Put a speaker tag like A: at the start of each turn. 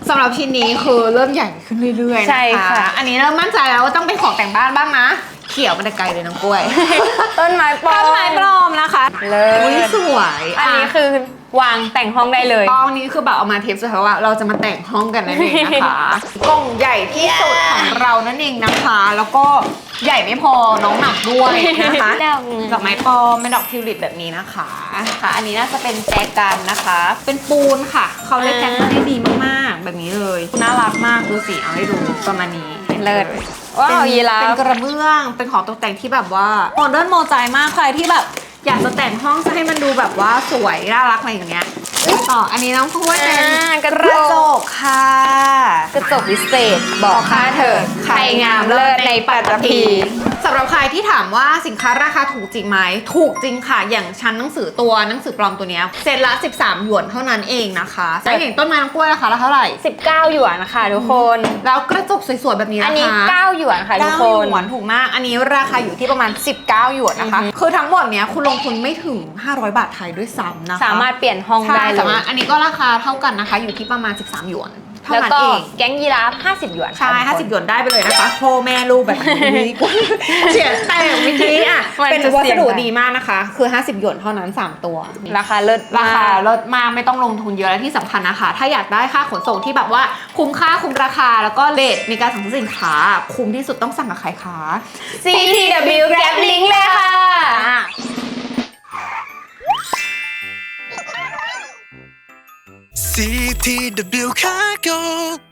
A: สำหรับชิ้นนี้คือเริ่มใหญ่ขึ้นเรื่อยๆนะคะอันนี้เริ่มมั่นใจแล้วว่าต้องเป็นของแต่งบ้านบ้างนะเขียวมันจะไกลเลยน้องกล้วย
B: ต้นไม้ปลอม
A: ต้นไม้ปลอมนะคะ
B: เล
A: อุ้ย
B: ย
A: สวย
B: อันนี้คือวางแต่งห้องได้เลย
A: กล้องนี้คือแบบเอามาเทปสุดท้ายว่าเราจะมาแต่งห้องกันนั่นเองนะคะกล่องใหญ่ที่สุดของเรานั่นเองนะคะ แล้วก็ใหญ่ไม่พอน้องหนักด้วยนะคะ ดอกไม้ปลอมเป็นดอกทิวลิปแบบนี้นะคะค่ะอันนี้น่าจะเป็นแจกันนะคะ เป็นปูนค่ะเขาเลยแพ็คมาได้ดีมากๆแบบนี้เลยน่ารักมากดูสิเอาให้ดูประมาณนี้
B: เลิศว้าวยีราฟ
A: เป็นกระเบื้องเป็นของตกแต่งที่แบบว่าโมเดิร์นโมใจมากใครที่แบบอยากจะแต่งห้องจะให้มันดูแบบว่าสวยน่ารักอะไรอย่างเงี้ยต่ออันนี้น้องพูดเป็น
B: กระ
A: กระจ
B: จก
A: กค่ะ
B: กระจกวิเศษบอกค่าเถิดใครงามเลิศในปัตตภี
A: สำหรับใครที่ถามว่าสินค้าราคาถูกจริงไหมถูกจริงค่ะอย่างชั้นหนังสือปลอมตัวเนี้ยเซตละ13หยวนเท่านั้นเองนะคะแต่อย่างต้นไม้น้ำกล้วยราคาเท่าไหร่
B: 19หยวนนะคะทุกคน
A: แล้วกระจกสวยๆแบบนี้
B: อัน
A: นะ
B: นี้
A: คะ
B: 9หยวนค่ะทุกค
A: 9
B: น
A: หยวนถูกมาก อันนี้ราคาอยู่ที่ประมาณ 19 หยวนนะคะ คือทั้งหมดเนี้ยคุณลงทุนไม่ถึง 500 บาทไทยด้วยซ้ำนะคะ
B: สามารถเปลี่ยนห้อง
A: ใช่
B: ได้เล
A: สาย มารถอันนี้ก็ราคาเท่ากันนะคะ อยู่ที่ประมาณ 13 หยวนเท่า
B: แล้ว
A: นั้น
B: ก็
A: เอง
B: แก๊งยีราฟ50หยวน
A: ใช่
B: ค่ะทุกคน
A: 50 หยวนได้ไปเลยนะคะพ่อแม่ลูกแบบนี้ เสียแต่เมื่อกี้อ่ะ
B: มัน
A: เป็น
B: จะ
A: วั
B: เสี่
A: ส
B: ยง
A: ดุ
B: ไป
A: ดีมากนะคะ คือ 50 หยวนเท่านั้น 3 ตัว
B: ราคาเลิศ
A: ราคาม
B: ก
A: ลดมากไม่ต้องลงทุนเยอะและที่สำคัญนะคะ ถ้าอยากได้ค่าขนส่งที่แบบว่าคุ้มค่าคุ้มราคาแล้วก็เรทในการสั่งซื้อสินค้า คุ้มที่สุดต้องสั่งกับใครคะ
B: CTW Grab Link เลยค่ะ
C: CTW Cargo